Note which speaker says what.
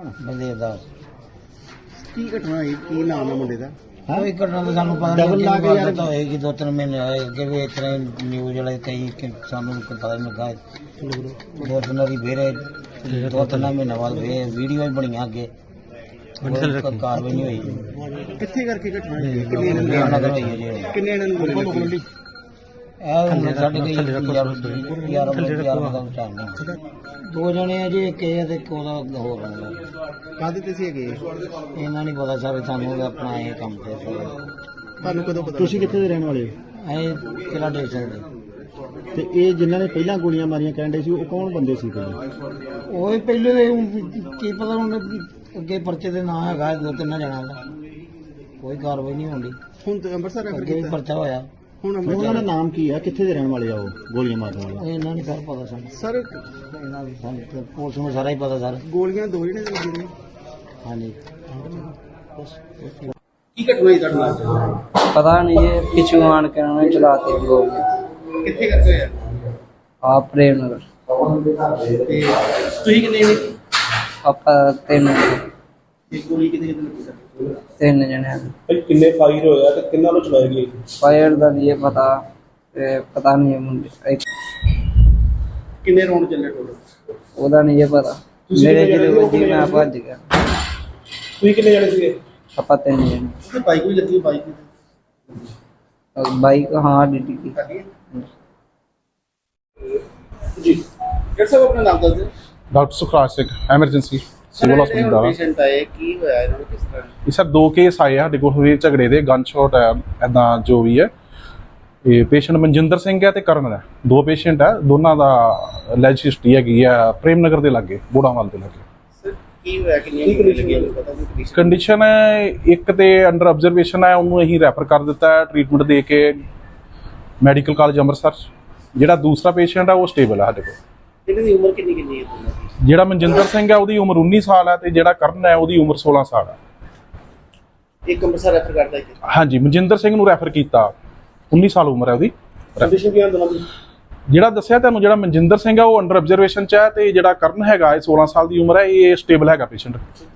Speaker 1: ਬਲਦੇਵ ਦਾਸ।
Speaker 2: ਕੀ ਘਟਨਾ ਹੋਈ? ਕੀ ਨਾਮ ਹੈ ਮੁੰਡੇ ਦਾ?
Speaker 1: ਕੋਈ ਘਟਨਾ ਤਾਂ ਸਾਨੂੰ ਪਤਾ
Speaker 2: ਡਬਲ ਲਾ ਕੇ ਯਾਰ
Speaker 1: ਤਾਂ ਹੋਏਗੀ 2-3 ਮਹੀਨੇ ਹੋਏ ਅੱਗੇ ਵੀ ਇਸ ਤਰ੍ਹਾਂ ਨਿਊਜ਼ ਵਾਲੇ ਕਈ ਸਾਨੂੰ ਪਤਾ ਨਹੀਂ ਲੱਗਾ। 2 ਦਿਨਾਂ ਦੀ ਫੇਰ 2-3 ਮਹੀਨੇ ਬਾਅਦ ਫੇਰ ਵੀਡੀਓ ਵੀ ਬਣੀਆਂ ਅੱਗੇ ਕਾਰਵਾਈ ਨਹੀਂ ਹੋਈ।
Speaker 2: ਕਿੱਥੇ ਕਰਕੇ ਘਟਨਾ ਹੋਈ? ਕਿੰਨੇ ਇਹਨਾਂ
Speaker 1: ਹੋਈ ਹੈ ਜੀ।
Speaker 2: ਕਿੰਨੇ ਇਹਨਾਂ ਨੂੰ ਗੋਲੀ ਲੱਗੀ?
Speaker 1: ਇਹ ਸਾਡੇ ਕੋਈ ਯਾਰ ਦਾ ਟਾਈਮ ਨਹੀਂ। 2 ਜਣੇ ਆ ਜੀ, ਇੱਕ ਇਹ ਤੇ ਇੱਕ ਉਹਦਾ ਹੋਰ ਬੰਦਾ।
Speaker 2: ਕਾਹਦੇ ਤੇ ਸੀ ਹੈਗੇ?
Speaker 1: ਇਹਨਾਂ ਨਹੀਂ ਪਤਾ ਸਾਰੇ, ਸਾਨੂੰ ਆਪਣਾ ਇਹ ਕੰਮ ਤੇ
Speaker 2: ਤੁਹਾਨੂੰ ਕਦੋਂ ਪਤਾ? ਤੁਸੀਂ ਕਿੱਥੇ ਦੇ ਰਹਿਣ ਵਾਲੇ ਹੋ?
Speaker 1: ਇਹ ਕਿਹੜਾ ਦੇ ਸਕਦੇ।
Speaker 2: ਤੇ ਇਹ ਜਿਨ੍ਹਾਂ ਨੇ ਪਹਿਲਾਂ ਗੋਲੀਆਂ ਮਾਰੀਆਂ ਕਹਿੰਦੇ ਸੀ, ਉਹ ਕੌਣ ਬੰਦੇ ਸੀ?
Speaker 1: ਉਹ ਹੀ ਪਹਿਲੇ ਦੇ ਕੀ ਪਤਾ ਹੁਣ ਅੱਗੇ ਪਰਚੇ ਦੇ ਨਾਂ ਹੈਗਾ 2-3 ਜਣਾਂ ਦਾ, ਕੋਈ ਕਾਰਵਾਈ ਨਹੀਂ ਹੁੰਦੀ।
Speaker 2: ਹੁਣ ਤੇ ਅੰਮ੍ਰਿਤਸਰ ਰੈਫਰ
Speaker 1: ਅੱਗੇ ਵੀ
Speaker 2: ਕੀਤਾ।
Speaker 1: ਪਰਚਾ ਹੋਇਆ।
Speaker 2: ਹੁਣ ਉਹਨਾਂ ਦਾ ਨਾਮ ਕੀ ਹੈ? ਕਿੱਥੇ ਦੇ ਰਹਿਣ ਵਾਲੇ ਆ ਉਹ ਗੋਲੀਆਂ ਮਾਰਨ ਵਾਲੇ?
Speaker 1: ਇਹਨਾਂ ਨਹੀਂ ਸਰ ਪਤਾ ਸਾਨੂੰ।
Speaker 2: ਸਰ
Speaker 1: ਇਹਨਾਂ ਦੀ ਸਾਨੂੰ ਪੁਲਿਸ ਨੂੰ ਸਾਰਾ ਹੀ ਪਤਾ ਸਰ।
Speaker 2: ਗੋਲੀਆਂ 2 ਜਣੇ ਲੱਗੇ ਨੇ।
Speaker 1: ਹਾਂਜੀ।
Speaker 2: ਕੀ ਘਟਨਾ ਹੋਈ ਤੁਹਾਡੇ ਨਾਲ?
Speaker 3: पता नहीं ये पिछू आन के उन्होंने चलाते गोल
Speaker 2: ਕਿੱਥੇ ਕਰਦੇ ਹੋਇਆ?
Speaker 3: आप प्रेम नगर
Speaker 2: ਤੇ ਤੁਸੀਂ ਕਿੰਨੇ ਨੇ?
Speaker 3: पापा तीन
Speaker 2: ਇੱਕ ਗੋਲੀ ਕਿਤੇ ਲੱਗੀ ਸਰ?
Speaker 3: तीन जने
Speaker 4: ਭਾਈ ਕਿੰਨੇ ਫਾਇਰ ਹੋਇਆ ਤੇ ਕਿੰਨਾਂ ਨੂੰ ਚਲਾਈ ਗਈ?
Speaker 3: फायर का ये पता पता नहीं है मुझे
Speaker 2: ਕਿੰਨੇ ਰੌਂਡ ਚੱਲੇ ਟੋਟਲ?
Speaker 3: ओदा नहीं ये पता मेरे जिले वजी मैं भज गया।
Speaker 4: ਤੁਸੀਂ ਕਿੰਨੇ ਜਣੇ ਸੀਗੇ?
Speaker 3: पापा तीन जने
Speaker 2: ਤੇ ਬਾਈਕ ਵੀ ਲੱਗੀ? ਬਾਈਕ
Speaker 3: बाइक हाँ ड्यूटी की
Speaker 2: ਲੱਗੀ ਜੀ। ਡਾਕਟਰ ਸਾਹਿਬ ਆਪਣਾ ਨਾਮ ਦੱਸ ਦਿਓ।
Speaker 5: Doctor Sukhraj Singh, emergency civil hospital ਦਾ।
Speaker 2: ਪੇਸ਼ੈਂਟ ਆਏ, ਕੀ ਹੋਇਆ ਇਹਨਾਂ ਨੂੰ, ਕਿਸ ਤਰ੍ਹਾਂ?
Speaker 5: ਇਹ ਸਰ 2 ਕੇਸ ਆਏ ਆ ਸਾਡੇ ਕੋਲ ਹੋਏ ਝਗੜੇ ਦੇ, ਗਨ ਸ਼ਾਟ ਹੈ ਐਦਾਂ ਜੋ ਵੀ ਹੈ। ਇਹ ਪੇਸ਼ੈਂਟ ਮਨਜਿੰਦਰ ਸਿੰਘ ਹੈ ਤੇ ਕਰਨ ਹੈ, 2 ਪੇਸ਼ੈਂਟ ਹੈ। ਦੋਨਾਂ ਦਾ ਲੈਜ ਹਿਸਟਰੀ ਹੈਗੀ ਆ ਪ੍ਰੇਮ ਨਗਰ ਦੇ ਲਾਗੇ, ਬੋੜਾਵਾਲ ਦੇ ਲਾਗੇ।
Speaker 2: ਸਰ ਕੀ ਹੋਇਆ? ਕਿੰਨੀਆਂ ਗੋਲੀਆਂ ਲੱਗੀਆਂ ਪਤਾ ਨਹੀਂ? ਕੰਡੀਸ਼ਨ
Speaker 5: ਕੰਡੀਸ਼ਨ ਹੈ ਇੱਕ ਤੇ ਅੰਡਰ ਆਬਜ਼ਰਵੇਸ਼ਨ ਹੈ, ਉਹਨੂੰ ਅਸੀਂ ਰੈਫਰ ਕਰ ਦਿੱਤਾ ਹੈ ਟ੍ਰੀਟਮੈਂਟ ਦੇ ਕੇ ਮੈਡੀਕਲ ਕਾਲਜ ਅੰਮ੍ਰਿਤਸਰ। ਜਿਹੜਾ ਦੂਸਰਾ ਪੇਸ਼ੈਂਟ ਹੈ ਉਹ ਸਟੇਬਲ ਹੈ ਸਾਡੇ ਕੋਲ।
Speaker 2: ਇਹਨਾਂ ਦੀ ਉਮਰ ਕਿੰਨੀ ਕਿੰਨੀ ਹੈ ਦੋਨਾਂ ਦੀ?
Speaker 5: ਜਿਹੜਾ ਮਨਜਿੰਦਰ ਸਿੰਘ ਹੈ ਉਹਦੀ ਉਮਰ 19 ਸਾਲ ਹੈ ਤੇ ਜਿਹੜਾ ਕਰਨ ਹੈ ਉਹਦੀ ਉਮਰ 16 ਸਾਲ ਹੈ।
Speaker 2: ਇੱਕ ਅੰਮ੍ਰਿਤਸਰ ਰੈਫਰ ਕਰਦਾ ਹੈ।
Speaker 5: ਹਾਂਜੀ, ਮਨਜਿੰਦਰ ਸਿੰਘ ਨੂੰ ਰੈਫਰ ਕੀਤਾ, 19 ਸਾਲ ਉਮਰ ਹੈ ਉਹਦੀ।
Speaker 4: ਕੰਡੀਸ਼ਨ ਕੀ ਦੋਨਾਂ ਦੀ?
Speaker 5: ਜਿਹੜਾ ਦੱਸਿਆ ਤੁਹਾਨੂੰ, ਜਿਹੜਾ ਮਨਜਿੰਦਰ ਸਿੰਘ ਹੈ ਉਹ ਅੰਡਰ ਆਬਜ਼ਰਵੇਸ਼ਨ 'ਚ ਹੈ ਤੇ ਜਿਹੜਾ ਕਰਨ ਹੈਗਾ ਇਹ 16 ਸਾਲ ਦੀ ਉਮਰ ਹੈ, ਇਹ ਸਟੇਬਲ ਹੈਗਾ ਪੇਸ਼ੈਂਟ।